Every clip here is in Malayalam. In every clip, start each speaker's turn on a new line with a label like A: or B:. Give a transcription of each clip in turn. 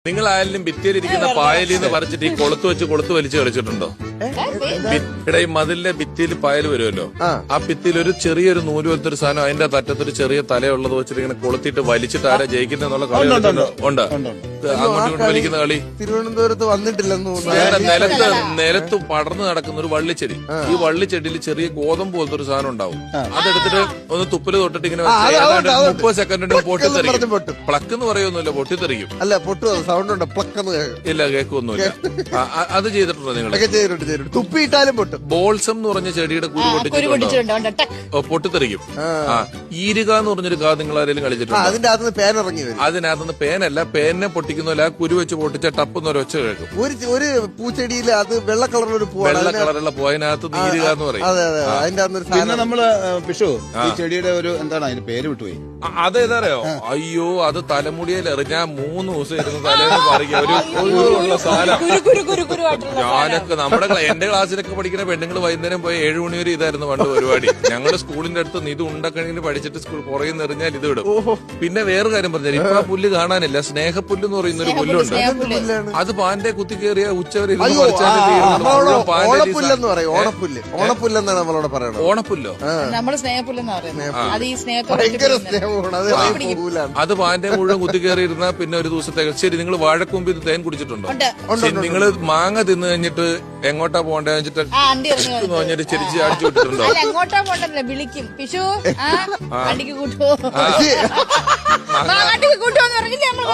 A: നിങ്ങൾ ആയാലും ഭിത്തിയിലിരിക്കുന്ന പായലിന്ന് പറിച്ചിട്ട് ഈ കൊളുത്ത് വലിച്ച് കളിച്ചിട്ടുണ്ടോ? ഇവിടെ ഈ മതിലിന്റെ ഭിത്തിയിൽ പായൽ വരുമല്ലോ, ആ ഭിത്തിയിൽ ഒരു ചെറിയൊരു നൂല് പോലത്തെ ഒരു സാധനം, അതിന്റെ തറ്റത്തൊരു ചെറിയ തലയുള്ളത് വെച്ചിട്ട് ഇങ്ങനെ കൊളുത്തിട്ട് വലിച്ചിട്ട് ആരാ ജയിക്കുന്നുള്ള കളി ഉണ്ട്. അങ്ങോട്ടും ഇങ്ങോട്ടും വലിക്കുന്ന കളി
B: തിരുവനന്തപുരത്ത് വന്നിട്ടില്ലെന്ന്
A: നിലത്ത് പടർന്നു നടക്കുന്ന ഒരു വള്ളിച്ചെടി. ഈ വള്ളിച്ചെടിയിൽ ചെറിയ ഗോതമ്പ് പോലത്തെ ഒരു സാധനം ഉണ്ടാവും. അതെടുത്തിട്ട് ഒന്ന് തുപ്പല് തൊട്ടിട്ട് ഇങ്ങനെ 30 സെക്കൻഡിന് പൊട്ടിത്തെറിക്കും. പ്ലക്ക് എന്ന് പറയുമൊന്നുമില്ല, പൊട്ടിത്തെറിക്കും.
B: അല്ല പൊട്ടു സൗണ്ട് ഉണ്ട്, പ്ലക്കെന്ന്
A: ഇല്ല, കേൾക്കൊന്നുമില്ല. അത് ചെയ്തിട്ടുണ്ടോ നിങ്ങൾ?
B: തുപ്പിയിട്ടാലും പൊട്ടും.
A: ബോൾസം എന്ന് പറഞ്ഞ ചെടിയുടെ കുരു പൊട്ടിച്ചിട്ടുണ്ടോ? പൊട്ടിത്തെറിക്കും. ഈരുക എന്ന് പറഞ്ഞൊരു കാ നിങ്ങൾ ആരെങ്കിലും കളിച്ചിട്ടുണ്ടോ?
B: അതിന്റെ അകത്തുനിന്ന് പേൻ ഇറങ്ങി വരും.
A: അതിനകത്തുനിന്ന് പേനല്ല, പേനെ പൊട്ടിക്കുന്നില്ല, ആ കുരു വെച്ച് പൊട്ടിച്ച ടപ്പെന്ന് ഒരു ഒച്ച കേൾക്കും.
B: ഒരു പൂച്ചെടിയിൽ അത് വെള്ള കളറിലൊരു
A: വെള്ള കളറുള്ള പൂവിനകത്ത് ഈരുക എന്ന് പറയും.
B: അതെ അതെ, അതിന്റെ അകത്തൊരു
C: പിന്നെ നമ്മള് പിഷു ഈ ചെടിയുടെ ഒരു എന്താണ് അതിന് പേര് വിട്ടുപോയി.
A: അതേതറിയോ? അയ്യോ, അത് തലമുടിയിൽ എറിഞ്ഞാൽ 3 ദിവസം ഇരുന്ന് തലേന്ന് പറിക്കുക. ഒരു സാധനം. ഞാനൊക്കെ എന്റെ ക്ലാസ്സിലൊക്കെ പഠിക്കുന്ന പെണ്ണുങ്ങൾ വൈകുന്നേരം പോയി 7 മണി വരെ ഇതായിരുന്നു പണ്ട് പരിപാടി. ഞങ്ങളുടെ സ്കൂളിന്റെ അടുത്ത് ഇത് ഉണ്ടക്കണിയിൽ പഠിച്ചിട്ട് സ്കൂൾ പുറകെ എറിഞ്ഞാൽ ഇത് വിടും. പിന്നെ വേറെ കാര്യം പറഞ്ഞാൽ ഇപ്പൊ ആ പുല്ല് കാണാനില്ല. സ്നേഹപ്പുല്ല് എന്ന് പറയുന്ന ഒരു പുല്ലുണ്ട്. അത് പാന്റെ കുത്തി കയറിയ ഉച്ചവരെ
B: ഓണപ്പുല്ലെന്ന് പറയും. ഓണപ്പുല്ലെന്നാണ് നമ്മളോട് പറയുന്നത്.
A: ഓണപ്പുല്ലോ?
D: നമ്മള് സ്നേഹപ്പുല്ലെന്ന് പറയുന്നത്.
B: ഭയങ്കര സ്നേഹമാണ് അത്.
A: അത് പാന്റെ മുഴുവൻ കുത്തി കയറിയിരുന്ന പിന്നെ ഒരു ദിവസത്തേക്ക്. ശരി, നിങ്ങൾ വാഴക്കൊമ്പ് ഇത് തേൻ കുടിച്ചിട്ടുണ്ടോ? നിങ്ങള് മാങ്ങ തിന്നു കഴിഞ്ഞിട്ട് എങ്ങോട്ടാ പോകണ്ടേ വെച്ചിട്ട് പറഞ്ഞിട്ട് ചെരിച്ച് അടിച്ചു വിട്ടിട്ടുണ്ടോ?
D: എങ്ങോട്ടാ പോണ്ടല്ലേ, വിളിക്കും. പിഷു വണ്ടിക്ക് കൂട്ടുവോ, കൂട്ടുവോന്ന് പറഞ്ഞിട്ട് നമ്മൾ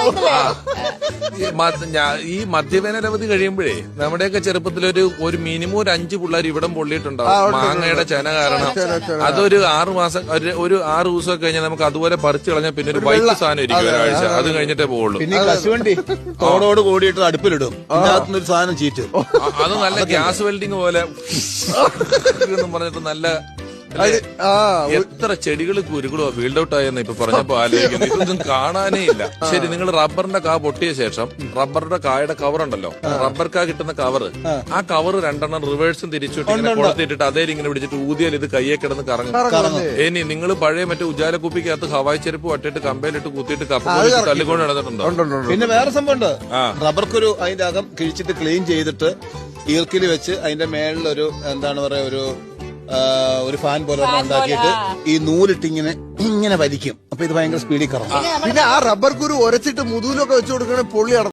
A: ഈ മദ്യവേനലവധി കഴിയുമ്പോഴേ നമ്മുടെയൊക്കെ ചെറുപ്പത്തിൽ ഒരു മിനിമം ഒരു 5 പിള്ളേർ ഇവിടം പൊള്ളിയിട്ടുണ്ടാവും മാങ്ങയുടെ ചെന കാരണം. അതൊരു 6 മാസം, ഒരു 6 ദിവസമൊക്കെ കഴിഞ്ഞാൽ നമുക്ക് അതുപോലെ പറിച്ചു കളഞ്ഞാൽ പിന്നെ ഒരു വൈറ്റ് സാധനം ഇരിക്കും ഒരാഴ്ച. അത് കഴിഞ്ഞിട്ടേ പോവുള്ളൂ.
C: പിന്നെ കശുവണ്ടി തോടോട് കൂടിയിട്ട് അടുപ്പിലിടും, അതിനകത്തുനിന്ന് ഒരു സാധനം ചീറ്റ്.
A: അത് നല്ല ഗ്യാസ് വെൽഡിങ് പോലെ പറഞ്ഞിട്ട് നല്ല എത്ര ചെടികൾ കുരുകളോ ഫീൽഡ് ഔട്ട് ആയെന്ന് ഇപ്പൊ പറഞ്ഞപ്പോ ആലോചിക്കുന്നു. ഇതൊന്നും കാണാനേ ഇല്ല. ശരി, നിങ്ങൾ റബ്ബറിന്റെ കാ പൊട്ടിയ ശേഷം റബ്ബറിന്റെ കായുടെ കവർ ഉണ്ടല്ലോ, റബ്ബർ കാ കിട്ടുന്ന കവർ, ആ കവർ 2 റിവേഴ്സും തിരിച്ചിട്ട് ഇങ്ങനെ കൊടുത്തിട്ടിട്ട് അതേ ഇങ്ങനെ പിടിച്ചിട്ട് ഊതിയാൽ ഇത് കയ്യെ കിടന്ന് കറങ്ങും. ഇനി നിങ്ങൾ പഴയ മറ്റേ ഉജാല കുപ്പിക്കകത്ത് ഹവായി ചെരുപ്പ് വട്ടിട്ട് കമ്പയിലിട്ട് കുത്തിയിട്ട് കപ്പ തല്ലിക്കൊണ്ട് നടന്നിട്ടുണ്ടോ?
C: പിന്നെ വേറെ സംഭവം ഉണ്ട്. റബ്ബർക്കൊരു അതിന്റെ അകം കിഴിച്ചിട്ട് ക്ലീൻ ചെയ്തിട്ട് ഈർക്കിൽ വെച്ച് അതിന്റെ മേളിലൊരു എന്താണ് പറയാ ഒരു ഫാൻ പോലെ ഉണ്ടാക്കിയിട്ട് ഈ നൂലിട്ട് ഇങ്ങനെ വലിക്കും. അപ്പൊ ഇത് ഭയങ്കര സ്പീഡിൽ കറങ്ങും.
B: പിന്നെ ആ റബ്ബർ കുരു ഉരച്ചിട്ട് മുതുകിലൊക്കെ വെച്ചു കൊടുക്കണേ പൊള്ളി